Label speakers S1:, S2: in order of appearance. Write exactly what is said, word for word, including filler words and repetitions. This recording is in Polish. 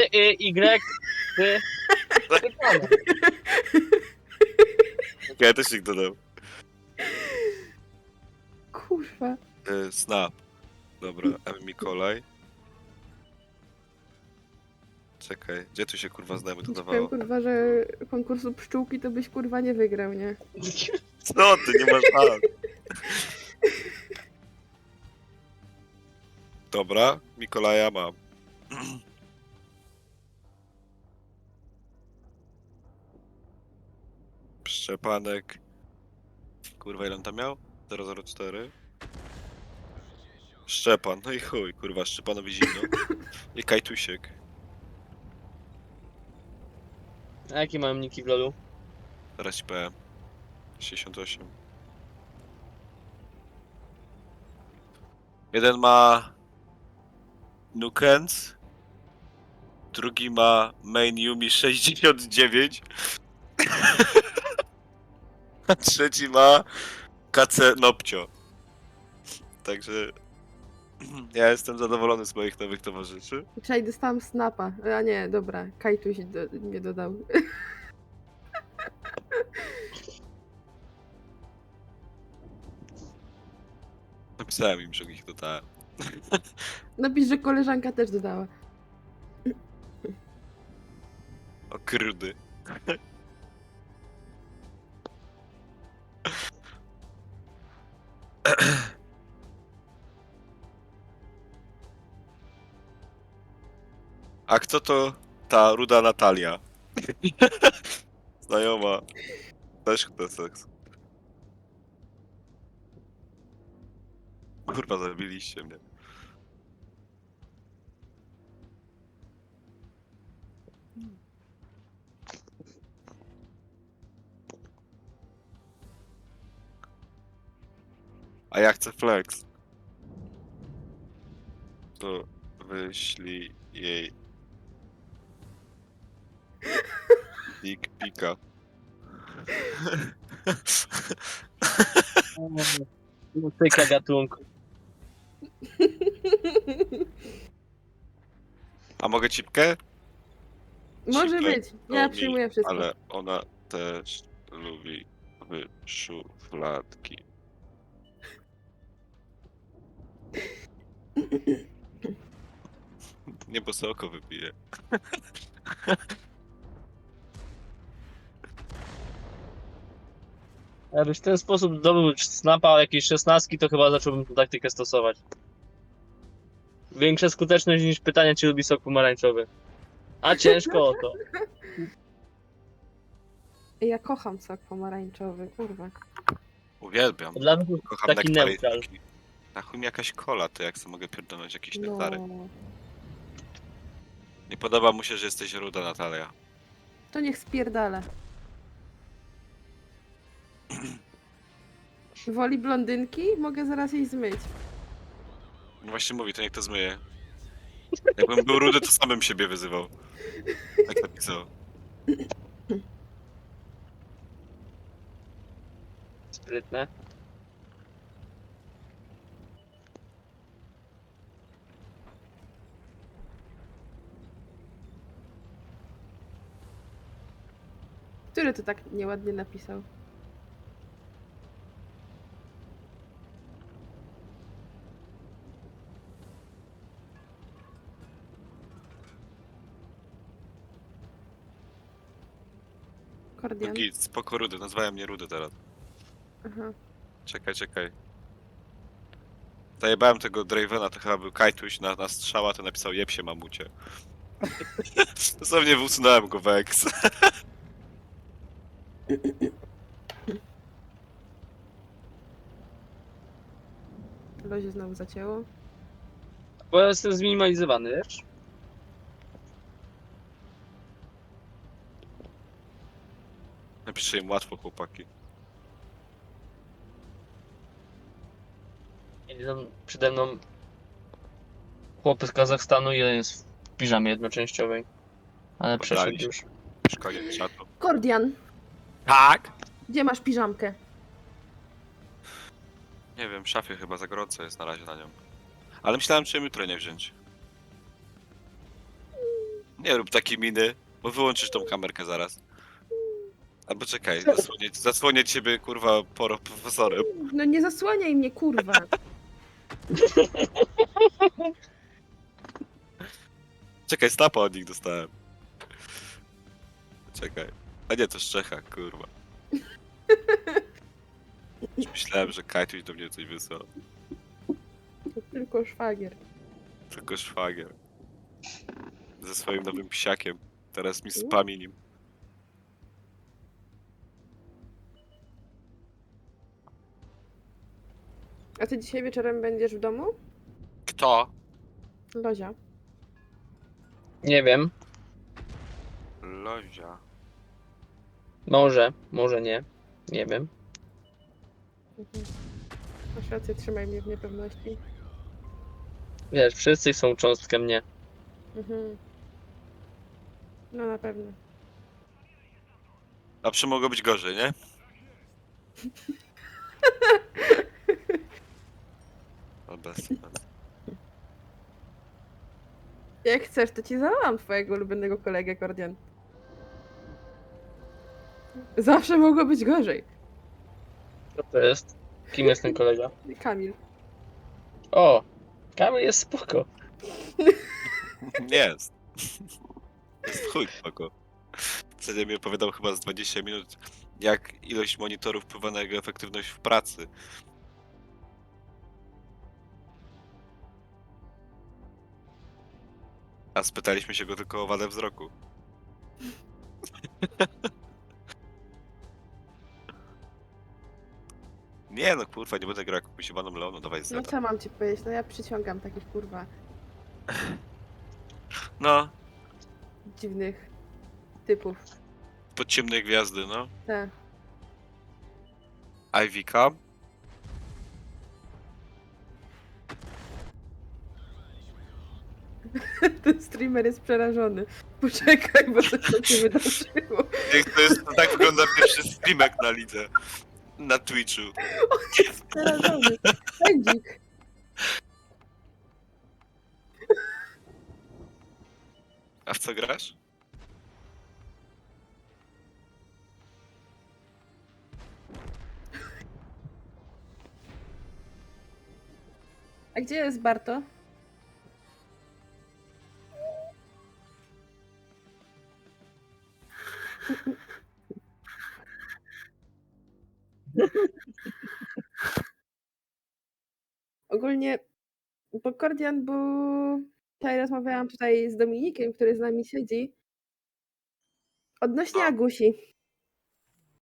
S1: Y, Y, ty.
S2: Ja też ich dodam.
S3: Kurwa.
S2: E, Snap. Dobra, M. Mikołaj. Czekaj, gdzie tu się kurwa znamy
S3: Ci powiem
S2: dodawało?
S3: kurwa, że konkursu pszczółki to byś kurwa nie wygrał, nie?
S2: Co ty, nie masz szans. Dobra, Mikołaja mam. Szczepanek. Kurwa, ile on tam miał? zero zero cztery. Szczepan, no i chuj, kurwa, Szczepanowi zimno. I Kajtusiek.
S1: A jakie mam niki w lolu?
S2: Teraz ci powiem. sześćdziesiąt osiem. Jeden ma Nukens. Drugi ma Main Yumi sześćdziesiąt dziewięć. A trzeci ma K C Nopcio. Także ja jestem zadowolony z moich nowych towarzyszy.
S3: Wczoraj dostałam snapa. A nie, dobra, Kajtuś do, mnie dodał.
S2: Napisałem im, że ich dodałem.
S3: Napisz, że koleżanka też dodała.
S2: O krudy. A kto to ta ruda Natalia? Znajoma. Też chce seks. Kurwa, zabiliście mnie. A ja chcę flex. To wyślij jej dick pika.
S1: Tyka gatunku.
S2: A mogę cipkę?
S3: Może
S2: Cipkę
S3: być.
S2: to
S3: Ja
S2: mi,
S3: przyjmuję wszystko.
S2: Ale ona też lubi szufladki. Nie, bo sobie oko wypije.
S1: Jakbyś w ten sposób zdobył snapa jakieś szesnastki, to chyba zacząłbym tę taktykę stosować. Większa skuteczność niż pytanie, czy lubi sok pomarańczowy. A ciężko o to.
S3: Ja kocham sok pomarańczowy, kurwa.
S2: Uwielbiam.
S1: Dla mnie to jest
S2: Kocham
S1: taki
S2: nektary.
S1: neutral.
S2: Na chuj mi jakaś kola, to jak sobie mogę pierdolnąć jakieś
S3: No.
S2: nektary. Nie podoba mu się, że jesteś ruda, Natalia.
S3: To niech spierdala. Woli blondynki? Mogę zaraz jej zmyć.
S2: No właśnie mówi, to niech to zmyje. Jakbym był rudy, to samym siebie wyzywał. Tak napisał.
S1: Sprytne.
S3: Który to tak nieładnie napisał? Kordian.
S2: Git, spoko rudy, nazwałem mnie rudy teraz.
S3: Aha.
S2: Czekaj, czekaj. Zajebałem tego Dravena, to chyba był Kajtuś na, na strzała, to napisał jeb się mamucie. Dosłownie usunąłem go Vex.
S3: Lozie znowu zacięło.
S1: Bo jestem zminimalizowany, wiesz?
S2: Napiszę im łatwo, chłopaki.
S1: Idą przede mną chłopy z Kazachstanu, jeden jest w piżamie jednoczęściowej. Ale przeszedł
S2: Poddali się.
S1: już.
S2: Już koniec czatu.
S3: Kordian,
S2: Tak?
S3: gdzie masz piżamkę?
S2: Nie wiem, w szafie chyba za gorąco jest na razie na nią. Ale myślałem, czy ją jutro nie wziąć. Nie rób takiej miny, bo wyłączysz tą kamerkę zaraz. Albo czekaj, zasłonię, zasłonię ciebie, kurwa, poro profesorem.
S3: No nie zasłaniaj mnie, kurwa.
S2: Czekaj, stapa od nich dostałem. Czekaj. A nie, to z Czecha, kurwa. Już myślałem, że Kajtuś do mnie coś wysłał.
S3: To tylko szwagier.
S2: Tylko szwagier. Ze swoim nowym psiakiem. Teraz mi spami nim.
S3: A ty dzisiaj wieczorem będziesz w domu?
S2: Kto?
S3: Lozia.
S1: Nie wiem.
S2: Lozia.
S1: Może, może nie. Nie wiem.
S3: Mhm. Masz rację, trzymaj mnie w niepewności.
S1: Wiesz, wszyscy są cząstkę mnie.
S3: Mhm. No na pewno.
S2: A przy mogło być gorzej, nie? No bez, bez.
S3: Jak chcesz, to ci zawołam twojego ulubionego kolegę, Kordian. Zawsze mogło być gorzej.
S1: Co to jest? Kim jest ten kolega?
S3: Kamil.
S1: O! Kamil jest spoko.
S2: Nie jest. Jest chuj spoko. Wtedy mi opowiadał chyba z dwadzieścia minut, jak ilość monitorów wpływa na jego efektywność w pracy. A spytaliśmy się go tylko o wadę wzroku. Nie no kurwa, nie będę grał jak kusiowaną Leoną, dawaj
S3: No
S2: zeta.
S3: co mam ci powiedzieć? No ja przyciągam takich kurwa
S2: No,
S3: dziwnych typów.
S2: pod ciemnej gwiazdy, no.
S3: Tak.
S2: Ivika.
S3: Ten streamer jest przerażony. Poczekaj, bo coś tam się wydarzyło.
S2: Jak to jest, to tak wygląda pierwszy streamek na lidze. Na Twitchu.
S3: Jest przerażony. Pędzik.
S2: A w co grasz?
S3: A gdzie jest Barto? Ogólnie, bo Kordian był... Tutaj rozmawiałam tutaj z Dominikiem, który z nami siedzi. Odnośnie
S2: No.
S3: Agusi.